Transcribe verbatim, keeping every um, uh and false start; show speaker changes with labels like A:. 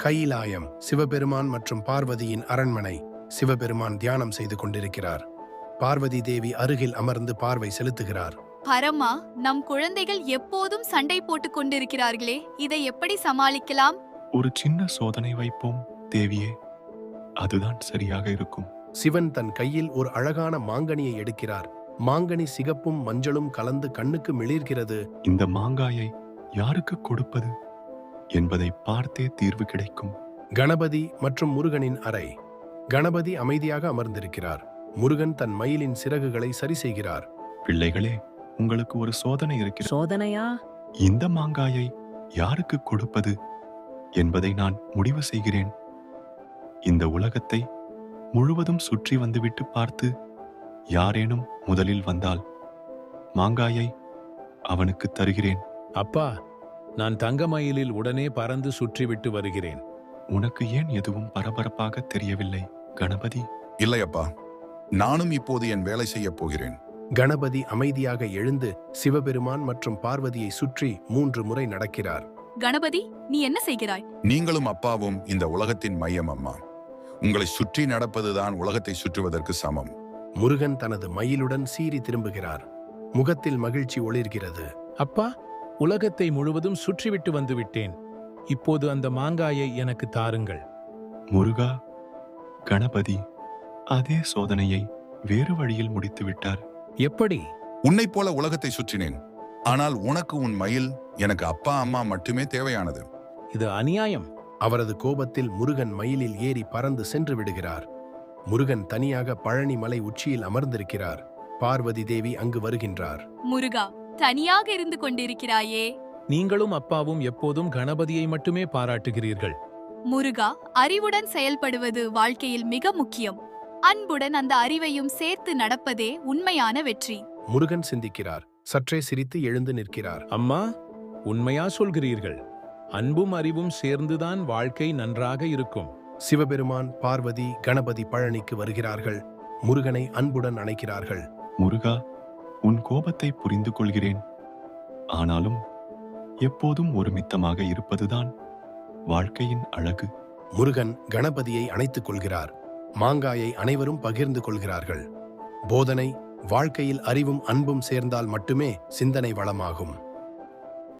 A: கையிலாயம் சிவபெருமான் மற்றும் பார்வதியின் அரண்மனை. சிவபெருமான் தியானம் செய்து கொண்டிருக்கிறார். பார்வதி தேவி அருகில் அமர்ந்து பார்வை செலுத்துகிறார்.
B: பரமா, நம் குழந்தைகள் எப்போதும் சண்டை போட்டுக் கொண்டிருக்கிறார்களே, இதை எப்படி சமாளிக்கலாம்?
C: ஒரு சின்ன சோதனை வைப்போம் தேவியே, அதுதான் சரியாக இருக்கும்.
A: சிவன் தன் கையில் ஒரு அழகான மாங்கனியை எடுக்கிறார். மாங்கனி சிகப்பும் மஞ்சளும் கலந்து கண்ணுக்கு மிளிர்கிறது.
C: இந்த மாங்காயை யாருக்கு கொடுப்பது என்பதை பார்த்தே தீர்வு கிடைக்கும்.
A: கணபதி மற்றும் முருகனின் அறை. கணபதி அமைதியாக அமர்ந்திருக்கிறார். முருகன் தன் மயிலின் சிறகுகளை சரி செய்கிறார்.
C: பிள்ளைகளே, உங்களுக்கு ஒரு சோதனை இருக்கிறது.
D: சோதனையா?
C: இந்த மாங்காயை யாருக்கு கொடுப்பது என்பதை நான் முடிவு செய்கிறேன். இந்த உலகத்தை முழுவதும் சுற்றி வந்துவிட்டு பார்த்து யாரேனும் முதலில் வந்தால் மாங்காயை அவனுக்கு தருகிறேன்.
E: அப்பா, நான் தங்கமயிலில் உடனே பறந்து சுற்றிவிட்டு வருகிறேன்.
C: உனக்கு ஏன் எதுவும் பரபரப்பாக தெரியவில்லை கணபதி?
F: இல்லையப்பா, நானும் இப்போது என் வேலை செய்யப் போகிறேன்.
A: கணபதி அமைதியாக எழுந்து சிவபெருமான் மற்றும் பார்வதியை சுற்றி மூன்று முறை நடக்கிறார்.
B: கணபதி, நீ என்ன செய்கிறாய்?
F: நீங்களும் அப்பாவும் இந்த உலகத்தின் மையம் அம்மா. உங்களை சுற்றி நடப்பதுதான் உலகத்தை சுற்றுவதற்கு சமம்.
A: முருகன் தனது மயிலுடன் சீறி திரும்புகிறார். முகத்தில் மகிழ்ச்சி ஒளிர்கிறது.
E: அப்பா, உலகத்தை முழுவதும் சுற்றிவிட்டு வந்துவிட்டேன். இப்போது அந்த மாங்காயை எனக்கு தாருங்கள்.
C: முருகா, கணபதி அதே சோதனையை வேறு வழியில் முடித்து விட்டார்.
E: எப்படி?
F: உன்னைப் போல உலகத்தை சுற்றினேன். ஆனால் உனக்கு உன் மயில், எனக்கு அப்பா அம்மா மட்டுமே தேவையானது.
E: இது அநியாயம்.
A: அவரது கோபத்தில் முருகன் மயிலில் ஏறி பறந்து சென்று விடுகிறார். முருகன் தனியாக பழனி மலை உச்சியில் அமர்ந்திருக்கிறார். பார்வதி தேவி அங்கு வருகின்றார்.
B: முருகா, தனியாக இருந்து கொண்டிருக்கிறாயே.
E: நீங்களும் அப்பாவும் எப்போதும் கணபதியை மட்டுமே பாராட்டுகிறீர்கள்.
B: முருகா, அறிவுடன் செயல்படுவது வாழ்க்கையில் மிக முக்கியம். அன்புடன் அந்த அறிவையும் சேர்த்து நடப்பதே உண்மையான வெற்றி.
A: முருகன் சிந்திக்கிறார். சற்றே சிரித்து எழுந்து நிற்கிறார்.
E: அம்மா, உண்மையா சொல்கிறீர்கள். அன்பும் அறிவும் சேர்ந்துதான் வாழ்க்கை நன்றாக இருக்கும்.
A: சிவபெருமான், பார்வதி, கணபதி பழனிக்கு வருகிறார்கள். முருகனை அன்புடன் அணைக்கிறார்கள்.
C: முருகா, உன் கோபத்தை புரிந்து கொள்கிறேன். ஆனாலும் எப்போதும் ஒருமித்தமாக இருப்பதுதான் வாழ்க்கையின் அழகு.
A: முருகன் கணபதியை அணைத்துக் கொள்கிறார். மாங்காயை அனைவரும் பகிர்ந்து கொள்கிறார்கள். போதனை: வாழ்க்கையில் அறிவும் அன்பும் சேர்ந்தால் மட்டுமே சிந்தனை வளமாகும்.